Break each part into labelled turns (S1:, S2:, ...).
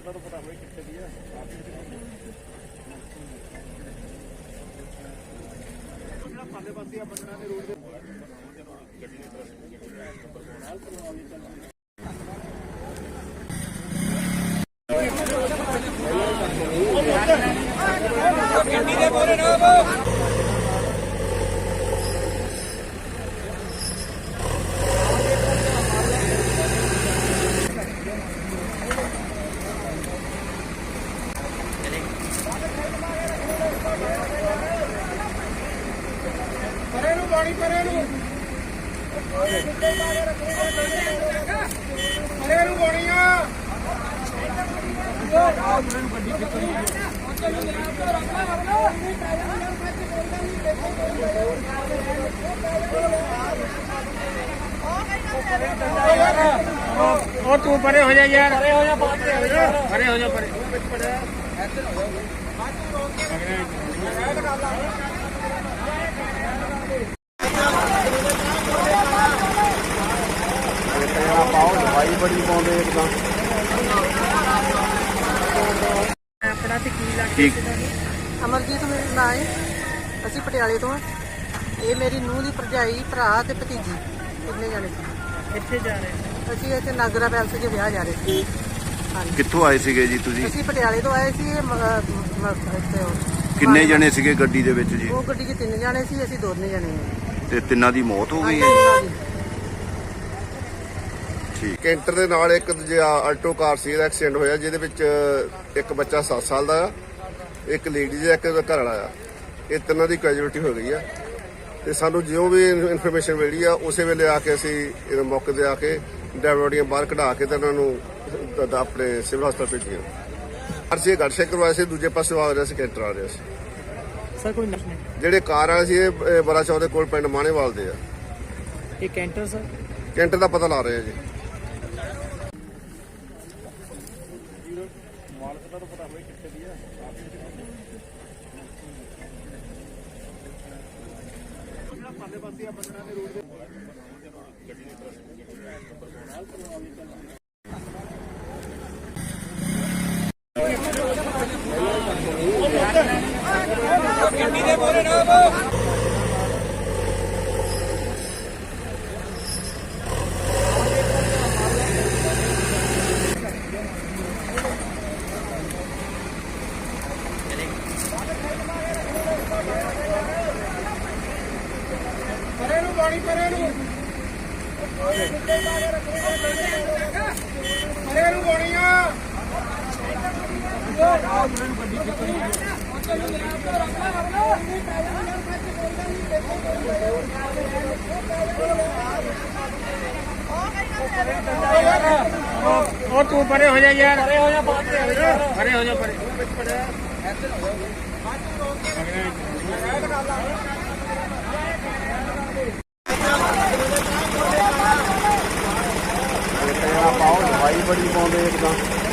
S1: और तू परे हो जा यार, परे हो जा, परे हो जा, परे
S2: दवाई बड़ी पाते एकदम
S1: अपना ते की लगती
S3: ਅਮਰਜੀਤ ਮੇਰਾ ਨਾਂ ਹੈ। ਅਸੀਂ ਪਟਿਆਲੇ ਤੋਂ ਹਾਂ। ਇਹ ਮੇਰੀ ਨੂੰਹ ਦੀ ਭਰਜਾਈ, ਭਰਾ ਤੇ ਭਤੀਜੀ ਕਿੰਨੇ ਜਾਣੇ ਸੀ।
S1: ਇੱਥੇ ਜਾ ਰਹੇ
S3: ਅਸੀਂ ਇੱਥੇ ਨਾਗਰਾ ਪੈਲਸ 'ਚ ਵਿਆਹ ਜਾ ਰਹੇ ਸੀ। ਹਾਂਜੀ,
S2: ਕਿੱਥੋਂ ਆਏ ਸੀਗੇ ਜੀ ਤੁਸੀਂ?
S3: ਅਸੀਂ ਪਟਿਆਲੇ ਤੋਂ ਆਏ ਸੀ। ਇੱਥੇ
S2: ਕਿੰਨੇ ਜਣੇ ਸੀਗੇ ਗੱਡੀ ਦੇ ਵਿੱਚ ਜੀ?
S3: ਉਹ ਗੱਡੀ 'ਚ 3 ਜਾਣੇ ਸੀ, ਅਸੀਂ 2 ਜਾਣੇ ਹਾਂ।
S2: ਤੇ ਤਿੰਨਾਂ ਦੀ ਮੌਤ ਹੋ ਗਈ ਹੈ?
S3: ਹਾਂਜੀ।
S2: ਠੀਕ। ਕੈਂਟਰ ਦੇ ਨਾਲ ਇੱਕ ਦੂਜਾ ਆਲਟੋ ਕਾਰ ਸੀ, ਇਹਦਾ ਐਕਸੀਡੈਂਟ ਹੋਇਆ, ਜਿਹਦੇ ਵਿੱਚ ਇੱਕ ਬੱਚਾ 7 ਸਾਲ ਦਾ ਆ, ਇੱਕ ਲੇਡੀ ਦਾ, ਇੱਕ ਘਰ ਵਾਲਾ ਆ। ਇਹ ਤਿੰਨਾਂ ਦੀ ਕੈਜੂਅਲਟੀ ਹੋ ਗਈ ਆ। ਤੇ ਸਾਨੂੰ ਜਿਉਂ ਵੀ ਇਨਫੋਰਮੇਸ਼ਨ ਮਿਲੀ ਆ, ਉਸੇ ਵੇਲੇ ਆ ਕੇ ਅਸੀਂ ਇਹ ਮੌਕੇ ਤੇ ਆ ਕੇ ਡਰਾਈਵਰ ਬੋਡੀਆਂ ਬਾਹਰ ਕਢਾ ਕੇ ਤੇ ਉਹਨਾਂ ਨੂੰ ਆਪਣੇ ਸਿਵਲ ਹਸਪਤਾਲ ਭੇਜੀਆਂ। ਅਸੀਂ ਗੱਡ ਚੈੱਕ ਕਰਵਾਇਆ ਸੀ, ਦੂਜੇ ਪਾਸੇ ਆ ਰਿਹਾ ਸੀ, ਕੈਂਟਰ ਆ ਰਿਹਾ ਸੀ।
S1: ਸਰ ਕੋਈ ਨਸ਼ਾ
S2: ਜਿਹੜੇ ਕਾਰ ਵਾਲੇ ਸੀ ਇਹ ਬੜਾ ਚੌਕ ਦੇ ਕੋਲ ਪਿੰਡ ਮਾਣੇਵਾਲ ਦੇ ਆ।
S1: ਇਹ ਕੈਂਟਰ ਸਰ
S2: ਕੈਂਟਰ ਦਾ ਪਤਾ ਲਾ ਰਹੇ ਆ ਜੀ।
S1: और तू परे हो जा यार, परे हो जा, परे हो जा, परे
S2: दवाई बड़ी पाते एकदम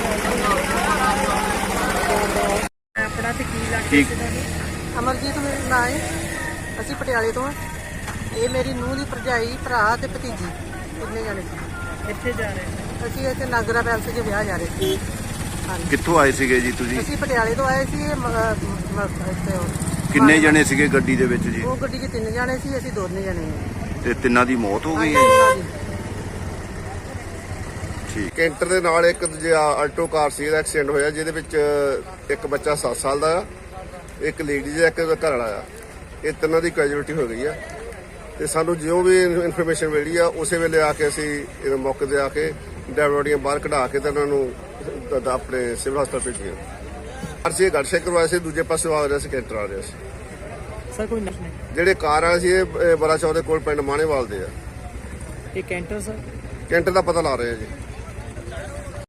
S1: अपना ते की लगती
S3: ਅਮਰਜੀਤ ਮੇਰਾ ਨਾਂ ਹੈ। ਅਸੀਂ ਪਟਿਆਲੇ ਤੋਂ ਹਾਂ। ਇਹ ਮੇਰੀ ਨੂੰਹ ਦੀ ਭਰਜਾਈ, ਭਰਾ ਤੇ ਭਤੀਜੀ ਕਿੰਨੇ ਜਾਣੇ ਸੀ।
S1: ਇੱਥੇ ਜਾ ਰਹੇ
S3: ਅਸੀਂ ਇੱਥੇ ਨਾਗਰਾ ਪੈਲਸ 'ਚ ਵਿਆਹ ਜਾ ਰਹੇ ਸੀ। ਹਾਂਜੀ,
S2: ਕਿੱਥੋਂ ਆਏ ਸੀਗੇ ਜੀ ਤੁਸੀਂ?
S3: ਅਸੀਂ ਪਟਿਆਲੇ ਤੋਂ ਆਏ ਸੀ। ਇੱਥੇ
S2: ਕਿੰਨੇ ਜਣੇ ਸੀਗੇ ਗੱਡੀ ਦੇ ਵਿੱਚ ਜੀ?
S3: ਉਹ ਗੱਡੀ 'ਚ 3 ਜਾਣੇ ਸੀ, ਅਸੀਂ 2 ਜਾਣੇ ਹਾਂ।
S2: ਤੇ ਤਿੰਨਾਂ ਦੀ ਮੌਤ ਹੋ ਗਈ ਹੈ?
S3: ਹਾਂਜੀ।
S2: ਠੀਕ। ਕੈਂਟਰ ਦੇ ਨਾਲ ਇੱਕ ਦੂਜਾ ਆਲਟੋ ਕਾਰ ਸੀ, ਇਹਦਾ ਐਕਸੀਡੈਂਟ ਹੋਇਆ, ਜਿਹਦੇ ਵਿੱਚ ਇੱਕ ਬੱਚਾ 7 ਸਾਲ ਦਾ ਆ, ਇੱਕ ਲੇਡੀ ਦਾ, ਇੱਕ ਘਰ ਵਾਲਾ ਆ। ਇਹ ਤਿੰਨਾਂ ਦੀ ਕੈਜੂਅਲਟੀ ਹੋ ਗਈ ਆ। ਤੇ ਸਾਨੂੰ ਜਿਉਂ ਵੀ ਇਨਫੋਰਮੇਸ਼ਨ ਮਿਲੀ ਆ, ਉਸੇ ਵੇਲੇ ਆ ਕੇ ਅਸੀਂ ਇਹ ਮੌਕੇ ਤੇ ਆ ਕੇ ਡਰਾਈਵਰ ਬੋਡੀਆਂ ਬਾਹਰ ਕਢਾ ਕੇ ਤੇ ਉਹਨਾਂ ਨੂੰ ਆਪਣੇ ਸਿਵਲ ਹਸਪਤਾਲ ਭੇਜੀਆਂ। ਅਸੀਂ ਗੱਡ ਚੈੱਕ ਕਰਵਾਇਆ ਸੀ, ਦੂਜੇ ਪਾਸੇ ਆ ਰਿਹਾ ਸੀ, ਕੈਂਟਰ ਆ ਰਿਹਾ ਸੀ।
S1: ਸਰ ਕੋਈ ਨਸ਼ਾ
S2: ਜਿਹੜੇ ਕਾਰ ਵਾਲੇ ਸੀ ਇਹ ਬੜਾ ਚੌਕ ਦੇ ਕੋਲ ਪਿੰਡ ਮਾਣੇਵਾਲ ਦੇ ਆ।
S1: ਇਹ ਕੈਂਟਰ ਸਰ
S2: ਕੈਂਟਰ ਦਾ ਪਤਾ ਲਾ ਰਹੇ ਆ ਜੀ।